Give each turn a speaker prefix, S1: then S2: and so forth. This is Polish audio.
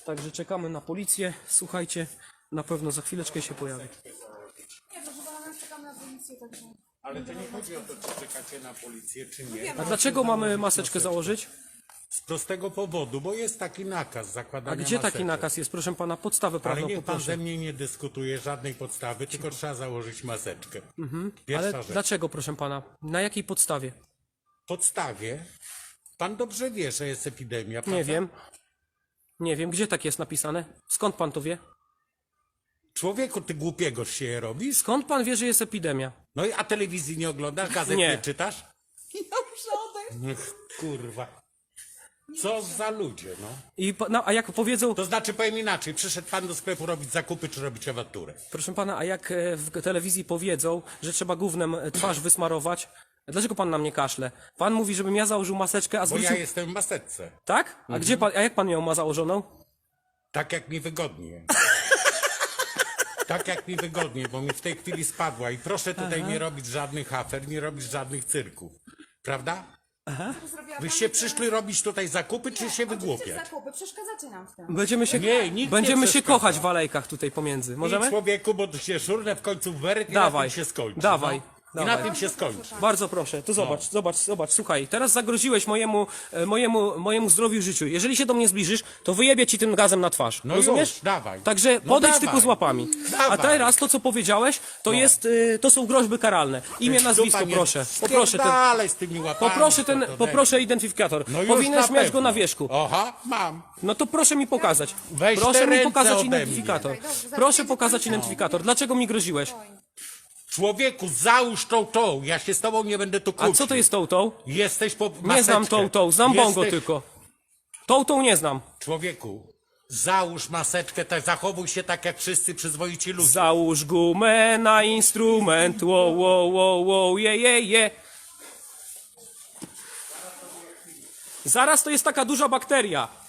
S1: Także czekamy na policję. Słuchajcie, na pewno za chwileczkę się pojawi.
S2: Nie, proszę pana, my czekamy na policję, także...
S3: Ale to nie chodzi o to, czy czekacie na policję, czy nie.
S1: A dlaczego mamy maseczkę założyć?
S3: Z prostego powodu, bo jest taki nakaz zakładania
S1: A gdzie taki
S3: maseczek.
S1: nakaz jest? Proszę pana, podstawę
S3: Ale
S1: prawną
S3: niech pan
S1: poproszę.
S3: ze mnie nie dyskutuje żadnej podstawy, tylko trzeba założyć maseczkę. Pierwsza
S1: Ale
S3: rzecz.
S1: dlaczego, proszę pana? Na jakiej podstawie?
S3: Podstawie, pan dobrze wie, że jest epidemia, prawda?
S1: Nie wiem. Nie wiem, gdzie tak jest napisane? Skąd pan to wie?
S3: Człowieku, ty głupiego się je robisz?
S1: Skąd pan wie, że jest epidemia?
S3: No i a telewizji nie oglądasz, gazet
S1: Nie.
S3: nie czytasz?
S2: Dobrze, odejdź.
S3: Ech, kurwa. Co za ludzie, no.
S1: A jak powiedzą,
S3: To znaczy, powiem inaczej, przyszedł pan do sklepu robić zakupy, czy robić awanturę?
S1: proszę pana, a jak w telewizji powiedzą, że trzeba gównem twarz wysmarować, dlaczego pan na mnie kaszle? Pan mówi, żebym ja założył maseczkę, a
S3: Bo
S1: zwrócił...
S3: ja jestem w maseczce.
S1: Tak? A gdzie pan, a jak pan ją ma założoną?
S3: Tak jak mi wygodnie. Tak jak mi wygodnie, bo mi w tej chwili spadła i proszę tutaj nie robić żadnych afer, nie robić żadnych cyrków. Prawda? Wyście przyszli robić tutaj zakupy, czy się wygłupiać?
S2: Zakupy, przeszkadzacie nam w tym.
S1: Będziemy się,
S3: Nie, nikt
S1: będziemy
S3: nie
S1: się
S3: przeszkadza.
S1: kochać w alejkach tutaj pomiędzy. Możemy?
S3: I człowieku, bo tu się szurnę w końcu w weret i
S1: Dawaj,
S3: na tym się skończy.
S1: dawaj,
S3: No. I
S1: dawaj.
S3: na tym się skończy.
S1: Bardzo proszę, to zobacz, zobacz, słuchaj, teraz zagroziłeś mojemu zdrowiu i życiu. Jeżeli się do mnie zbliżysz, to wyjebię ci tym gazem na twarz.
S3: No
S1: rozumiesz?
S3: już, dawaj.
S1: Także
S3: No
S1: podejdź
S3: dawaj.
S1: tylko z łapami. A
S3: Dawaj.
S1: teraz to, co powiedziałeś, to jest, to są groźby karalne. Imię, nazwisko,
S3: Dupa nie-
S1: proszę. Poproszę ten,
S3: Spierdalaj z tymi łapami.
S1: poproszę identyfikator.
S3: No już
S1: Powinieneś
S3: na
S1: mieć
S3: pewno.
S1: go na wierzchu.
S3: Oha, mam.
S1: No to proszę mi pokazać.
S3: Weź te
S1: Proszę mi
S3: ręce
S1: pokazać
S3: ode mnie.
S1: identyfikator.
S2: Dobrze, zaraz
S1: Proszę
S2: jedzie
S1: pokazać
S2: pan.
S1: identyfikator. Dlaczego mi groziłeś?
S3: Człowieku, załóż tą. Ja się z tobą nie będę tu
S1: A
S3: kłócił.
S1: co to jest tą?
S3: Jesteś po
S1: Nie znam
S3: maseczkę.
S1: tą, znam bongo
S3: Jesteś-
S1: tylko. Tą nie znam.
S3: Człowieku, załóż maseczkę, tak zachowuj się tak jak wszyscy przyzwoici ludzie.
S1: Załóż gumę na instrument, wow, je. Zaraz to jest taka duża bakteria.